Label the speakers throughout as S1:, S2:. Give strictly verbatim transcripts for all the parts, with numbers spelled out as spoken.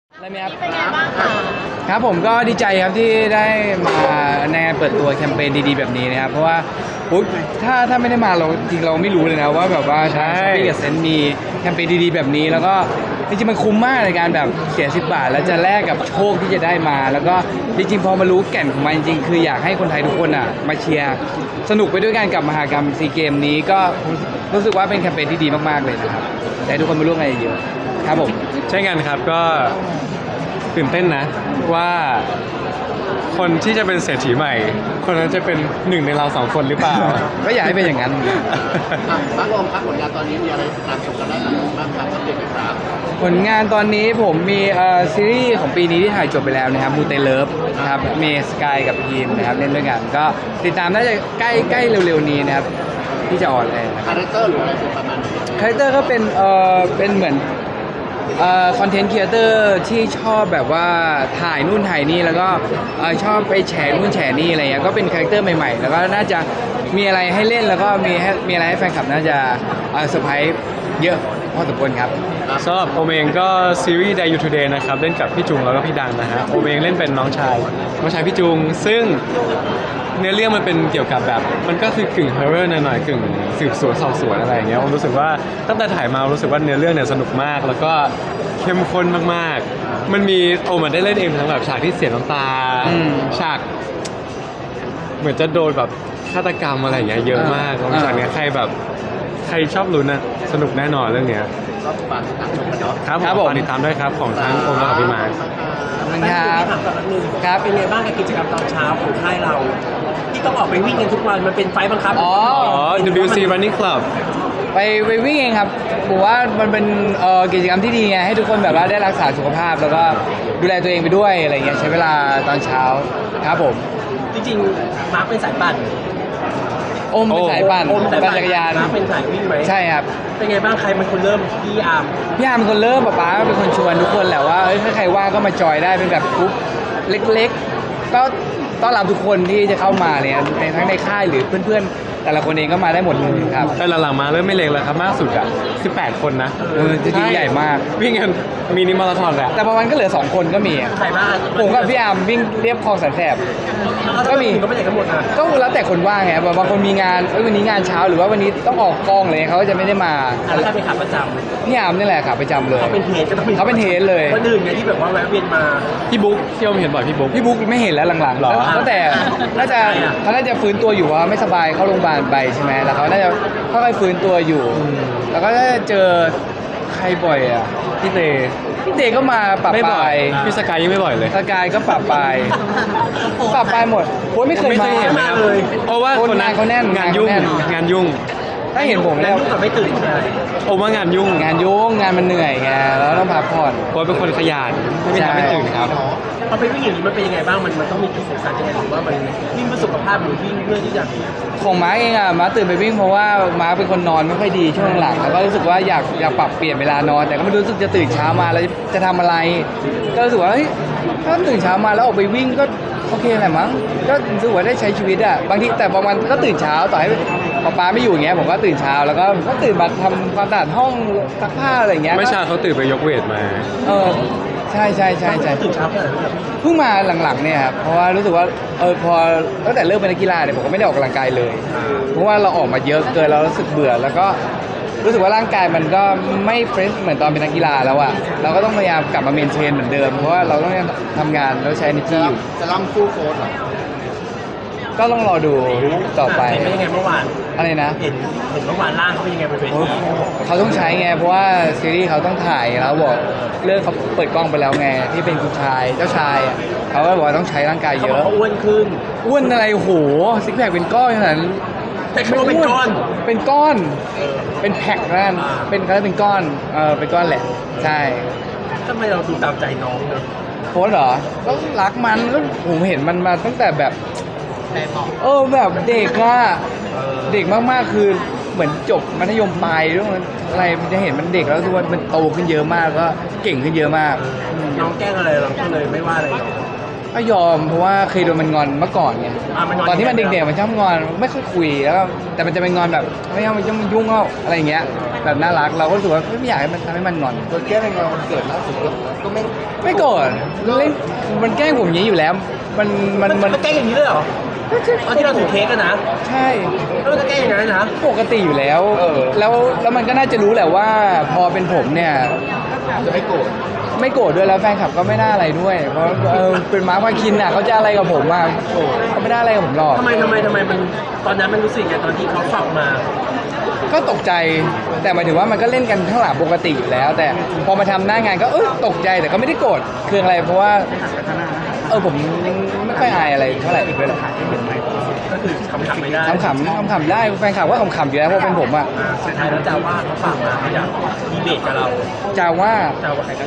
S1: อะไรไหมครับ
S2: เป็นไงบ้างคะ
S1: ครับผมก็ดีใจครับที่ได้มาในงานเปิดตัวแคมเปญดีๆแบบนี้นะครับเพราะว่าอุ๊ยถ้าถ้าไม่ได้มาเราจริงเราไม่รู้เลยนะว่าแบบว่าช้อปปี้กับเซนต์มีแคมเปญดีๆแบบนี้แล้วก็จริงๆมันคุ้มมากในการแบบเสียสิบบาทแล้วจะแลกกับโชคที่จะได้มา แล้วก็จริงๆพอมารู้แก่นของมันจริงๆคืออยากให้คนไทยทุกคนอ่ะมาเชียร์สนุกไปด้วยกันกับมหกรรมซีเกมนี้ก็รู้สึกว่าเป็นแคมเปญที่ดีมากๆเลยนะครับแต่ทุกคนมาร่วมงานเยอะๆครับผม
S3: ใช่กันครับก็ตื่นเต้นนะว่าคนที่จะเป็นเศรษฐีใหม่ คนนั้นจะเป็นหนึ่งในเราสองคนหรือเปล่า
S1: ก็อยากให้เป็นอย่างนั้น
S4: บ้านรวมครับผลงานตอนนี้มีอะไรติดตามชมกันได้บ้างครับอัปเดตหน่อยครับ
S1: ผลงานตอนนี้ผมมีเอ่อซีรีส์ของปีนี้ที่ถ่ายจบไปแล้วนะครับมูเตเลิฟนะครับเมสกายกับพีมนะครับเล่นด้วยกันก็ติดตามน่าจะใกล้ใกล้เร็วๆนี้นะครับที่จะออนเลยนะค
S4: คา
S1: รับ
S4: แรคเตอร์หรืออะไรประมาณนี้
S1: คาแรคเตอร์ก็เป็นเอ่อเป็นเหมือนเอ่อคอนเทนต์ครีเอเตอร์ที่ชอบแบบว่าถ่ายนู่นถ่ายนี่แล้วก็เอ่อชอบไปแฉนู่นแฉนี่อะไรเงี้ยก็เป็นคาแรคเตอร์ใหม่ๆ แล้วก็น่าจะมีอะไรให้เล่นแล้วก็มีให้มีอะไรให้แฟนคลับน่าจะเอ่อเซอร์ไพรส์เยอะพอสมควรครับ
S3: สำหรับโอมเองก็ซีรีส์ Day You Today นะครับเล่นกับพี่จุงแล้วก็พี่ดังนะฮะโอมเองเล่นเป็นน้องชายน้องชายพี่จุง ซึ่งเนื้อเรื่องมันเป็นเกี่ยวกับแบบมันก็คือกึ่งฮอร์เรอร์หน่อยๆกึ่งสืบสวนสอบสวนอะไรอย่างเงี้ยผมรู้สึกว่าตั้งแต่ถ่ายมารู้สึกว่าเนื้อเรื่องเนี่ยสนุกมาก แล้วก็เข้มข้นมากๆ มันมีโอมันได้เล่นเองทั้งแบบฉากที่เสียน้ำตา
S1: อืม
S3: ฉาก เหมือนจะโดนแบบฆาตกรรมอะไรอย่างเงี้ยเยอะมาก
S1: อ่า
S3: หลังจากเนี้ยใครแบบใครชอบลุ้นนะสนุกแน่นอนเรื่องเนี้ย
S4: ก็ฝากติดตามชมกันเนาะ
S3: ครับ
S1: ครับ
S3: ผ
S1: ผม
S3: มฝากติดตามด้วยครับของทั้งโอมและของพี่มาร์ค
S1: ขอบคุณครับ
S5: ถามก่อนนิดนึง
S1: ครับ
S5: เป็นไงบ้างกับกิจกรรมตอนเช้าของค่ายเรา ที่ต้องออกไปวิ่งกันทุกวันมันเป็นไฟล์บังคับ
S1: อ๋อ
S3: อ๋อ ดับเบิลยู ซี Running Club
S1: ไปไปวิ่งเองครับผมว่ามันเป็นเอ่อกิจกรรมที่ดีไงให้ทุกคนแบบว่าได้รักษาสุขภาพ แล้วก็ดูแลตัวเองไปด้วยอะไรเงี้ยใช้เวลาตอนเช้าครับผม
S5: จริงๆมาร์คเป็นสายปั่น
S1: โอมเป็นสายปั่น
S5: โอม
S1: ปั่นจักรยาน
S5: มาร์คเป็นสายวิ่งไหม
S1: ใช่ครับ
S5: เป็นไงบ้างใครเป็นคนเริ่มพี่อาร์ม
S1: พี่อาร์มเป็นคนเริ่มป๊าป๊าเป็นคนชวนทุกคนแหละว่าเอ้ยถ้าใครว่างก็มาจอยได้เป็นแบบกรุ๊ปเล็กๆ ก็ต้อนรับทุกคนที่จะเข้ามาเนี่ยในทั้งในค่ายหรือเพื่อนๆ แต่ละคนเองก็มาได้หมดเลยครับ
S3: แต่หลังๆมาเริ่มไม่เล็กแล้วครับมากสุดอ่ะสิบแปดคนนะ
S1: เออจริงๆใหญ่มาก
S3: วิ่งกันมินิมาราธอนแหละ
S1: แต่บางวันก็เหลือสองคนก็มีอะ
S5: ใครบ้าง
S1: ผมกับพี่อาร์มวิ่งเรียบคลองแสนแสบ ก็มี
S5: ก็ไม่ใช่กันหมดนะ
S1: ก็แล้วแต่คนว่างไงแบบบางคนมีงานเอ้ยวันนี้งานเช้าหรือว่าวันนี้ต้องออกกองเลยเขาก็จะไม่ได้มา
S5: แล้วใครเป็นขาประจ
S1: พี่อาร์มนี่แหละครับประจำเล
S5: ำ
S1: ย
S5: เขาเป็นเทสก็ต้องมี
S1: เขาเป็นเทสเลย
S5: คนอื่นไงที่แบบว่าแวะเวียนมา
S3: พี่บุ๊กที่โอมเห็นบ่อยพี่บุ๊ก
S1: พี่บุ๊กไม่เห็นแล้วหลังๆ
S3: หรอ
S1: ตั้งแต่น่าจะเขาน่าจะฟื้นตัวอยู่เพราะว่าไม่สบายเข้าโรงพยาบาลไปใช่ไหมแล้วเขาน่าจะค่อยๆฟื้นตัวอยู่ แล้วก็น่าจะเจอใครบ่อยอ่ะ
S3: พี่เต
S1: พี่เดก็มาปรับ
S3: ไม่
S1: ป
S3: บ่อ
S1: ลาย ย
S3: พี่สกายยังไม่บ่อยเลย
S1: สกายก็ปรับปลายปรับปลายหมดโอ้ยไม่เคย
S3: ไม่เค
S1: มาย
S3: เห็นนะครับ
S5: เลย
S3: เพราะว่า
S1: คน
S3: คนนั้น
S1: งานเขาแน่น
S3: งานยุ่ง
S1: งานเขาแน่น
S3: งานยุ่ง
S1: ถ้าเห็นผม
S5: แล้
S1: แล้ว ว
S5: แต่ไม่ตื่นใช่ไหม
S3: โอมว่างานยุ่ง
S1: งานยุ่งงานมันเหนื่อยไงแล้วต้องพักผ่อน
S3: โอมเป็นคนขยันไม่
S1: ใช่
S3: ทำไม่ตื่นครับ
S5: พอไปวิ่งอย่างนี้มันเป็นยังไงบ้างมันมันต้องมีจุดสำคัญยังไงหรือว่ามันวิ่งเพื่อสุขภาพหรือวิ่งเพื่อที่จะ
S1: ของม้าเองอ่ะม้าตื่นไปวิ่งเพราะว่าม้าเป็นคนนอนไม่ค่อยดีช่วงหลังแล้วก็รู้สึกว่าอยากอยากปรับเปลี่ยนเวลานอน แต่ก็ไม่รู้สึกจะตื่นเช้ามาแล้วจะทำอะไร ก็รู้สึกว่าเฮ้ยถ้าตื่นเช้ามาแล้วออกไปวิ่งก็โอเคแหละมั้งก็รู้สึกว่าได้ใช้ชีวิตอ่ะบางทีแต่บางวันก็ตื่นเช้าต่อให้ป๊าป๊าไม่อยู่อย่างเงี้ยผมก็ตื่นเช้าแล้วก็ก็ตื่นมาทำความสะอาดห้องซักผ้าอะไรอย่างเงี้ย
S3: ไม่เช้าเขาตื่นไปยกเวทมา
S1: เออใช่ใช่ใช่ใช่
S5: ตื่นเช้าแค่ไหนแบบ
S1: เพิ่งมาหลังๆเนี่ยครับเพราะว่ารู้สึกว่าเออพอตั้งแต่เลิกเป็นนักกีฬาเนี่ยผมก็ไม่ได้ออกกำลังกายเลย เพราะว่าเราออกมาเยอะเกินเรารู้สึกเบื่อ แล้วก็รู้สึกว่าร่างกายมันก็ไม่เฟรชเหมือนตอนเป็นนักกีฬาแล้วอะเราก็ต้องพยายามกลับมาเมนเทนเหมือนเดิมเพราะว่าเราต้องทำงานแล้วใช้ energy อยู่
S4: จะล่ำฟู่โค้ดเหรอ
S1: ก็ต้องรอดูต่อไป
S5: เห็นเป็นยังไงเมื่อวาน
S1: อะไรนะ
S5: เห็นเห็นเมื่อวานร่างเขาเป็นยังไงบนเว
S1: โอ้
S5: ที
S1: เขาต้องใช้ไงเพราะว่าซีรีส์เขาต้องถ่ายแล้วบอกเรื่องเขาเปิดกล้องไปแล้วไงที่เป็นคุณชายเจ้าชายอะเขาก็บอกว่าต้องใช้ร่างกาย
S5: เขา
S1: เย
S5: บอก
S1: อะ
S5: เขาอ้วนขึ้น
S1: อ้วนอะไรโอ้โหซิกแพคเป็นก้อนขนาดนั้น
S5: แต่เขาบอกเป็นก้อน
S1: เป็นก้อน เป็นแพ็คนั่นเป็นเขาเรียกเป็นก้อนเออเป็นก้อนแหละใช่
S5: ทำไมเราดูตามใจน้องเนอะ
S1: โค้ชเหรอก็รักมันก็ผมเห็นมันมาตั้งแต่แบบ
S4: แต่บอก
S1: เออแบบเด็กอะเด็กมากๆคือเหมือนจบมัธยมปลายด้วยมันอะไรมันจะเห็นมันเด็กแล้วทุกวันมันโตขึ้นเยอะมากก็เก่งขึ้นเยอะมาก
S5: น้องแกล้งอะไรเราก็เลยไม่ว่าอะไรหรอก
S1: ก็ยอมเพราะว่าเคยโดนมันงอนเมื่อก่อนไง
S5: อ่ะมันงอน
S1: ตอนที่มันเด็กๆมันชอบงอนไม่ค่อยคุยแล้วก็แต่มันจะเป็นงอนแบบไม่เอามันยุ่งยุ่งเอาอะไรอย่างเงี้ยแบบน่ารักเราก็รู้สึกว่าไม่อยากให้มันทำให้มันงอน
S4: โดนแก้ในงานวันเกิดล่าสุดก็ไม่
S1: ไม่โกรธเล่นมันแกล้งผมอย่างนี้อยู่แล้ว มันมัน
S5: มั
S1: มัน น
S5: มันแกล้งอย่างนี้เลยเหรอตอนที่เราถือเค้กกันนะ
S1: ใช่
S5: แล้วมันจะแกล้งอย่างนั้นนะ
S1: ปกติอยู่แล้ว แล้วแล้วมันก็น่าจะรู้แหละว่าพอเป็นผมเนี่ย
S4: จะไม่โกรธ
S1: ไม่โกรธด้วยแล้วแฟนคลับก็ไม่น่าอะไรด้วย เพราะเออเป็นมาร์คพาคินอ่ะเขาจะอะไรกับผมอ่ะเขาไม่ได้อะไรกับผมหรอก
S5: ทำไมทำไมทำไมมันตอนนั้นมันรู้สึกไงตอนที่เขาฝากมา
S1: ก็ตกใจแต่หมายถึงว่ามันก็เล่นกันข้างหลังปกติอยู่แล้ว แต่พอมาทำหน้างานก็เออตกใจแต่ก็ไม่ได้โกรธคืออะไรเพราะว่าเออผมยังไม่ค่อยอายอะไรเท่าไหร่ด้วยแหละ
S5: ก็คือขำๆไม่ได้
S1: ขำขำขำๆได้แฟนคลับว่าขำๆอยู่แล้วเพราะเป็นผมอ่ะ
S5: อ่าสุดท้ายแล้วจาว่าเขาฝากมาเขาอยากดีเบตกับเรา
S1: จาว่า
S5: จาว่าใครกัน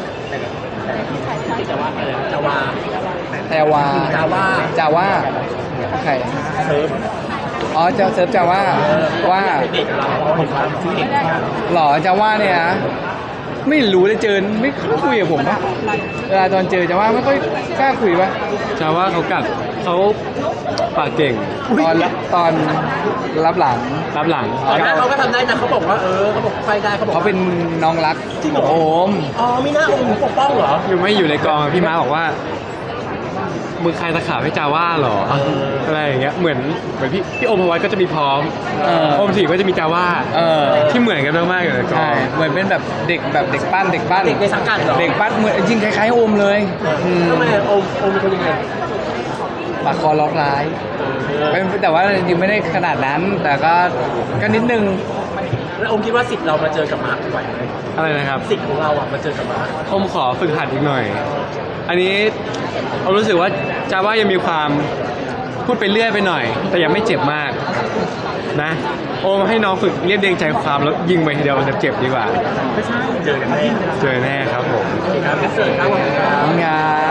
S5: จาว่าอะไรจาว่า
S1: แต่ว่า
S5: จาว่า
S1: จาว่าใคร
S5: เซิร์ฟ
S1: อ๋อเจ้าเซิร์ฟจาว่าว่า
S5: ดีเบตกับเราเพราะว่าผมว่าซื้อเด็กเหมือนกัน
S1: หรอจาว่าเนี่ยนะไม่รู้เลยเจอไม่ค่อยคุยกับผมปะเวลาตอนเจอจาว่าไม่ค่อยกล้าคุยปะ
S3: จะว่าเขากัดเขาปากเก่ง
S1: ตอนรับตอนรับหลัง
S3: รับหลัง
S5: แต่หน้าเขาก็ทำได้นะเขาบอกว่าเออเขาบอกไฟได้เขาบอก
S1: เขา
S5: ว่า
S1: เป็นน้องรัก
S5: จริงเหรอ
S1: โอม
S5: อ๋อมีหน้าองค์หนูปกป้องเหรอ
S3: อยู่ไม่อยู่ในกองพี่ม้าบอกว่ามึงใครตะขาบให้จาว่าเหรอ
S5: เออ
S3: อะไรอย่างเงี้ยเหมือนเหมือนพี่พี่โอมพวัตก็จะมีพร้อม
S1: เออ
S3: โอมถีก็จะมีจาว่า
S1: เออ
S3: ที่เหมือนกันมากๆอยู่ในกอ
S1: ใช่
S3: ง
S1: เหมือนเป็นแบบเด็กแบบเด็กปั้นเด็กปั้น
S5: เด็กในสังกัดเหรอ
S1: เด็กปั้นเหมือนจริงคล้ายๆโอมเลยม
S5: ทำไมโอมโอมเป็นคนยังไง
S1: ปากคอล็อกร้าย
S5: เออ
S1: ไม่แต่ว่าจริงๆไม่ได้ขนาดนั้น แต่ก็ก็นิดนึง
S5: แล้วโอมคิดว่าสิทธิ์เรามาเจอกับมาร์คไหวไหม
S3: อะไรนะครับ
S5: สิทธิ์ของเราอ่ะมาเจอกับมาร์ค
S3: ผมขอฝึกหัดอีกหน่อย อันนี้ผมรู้สึกว่าจาว่ายังมีความพูดไปเรื่อยไปหน่อย แต่ยังไม่เจ็บมากนะ โอมให้น้องฝึกเรียบเรียงใจความแล้วยิงไปทีเดียวมันจะเจ็บดีกว่า
S5: ไม่ใช่เจอกันแน่
S3: เจอแน่ครับผม
S5: ครับเสิร์ฟครับผมครับ
S1: งาน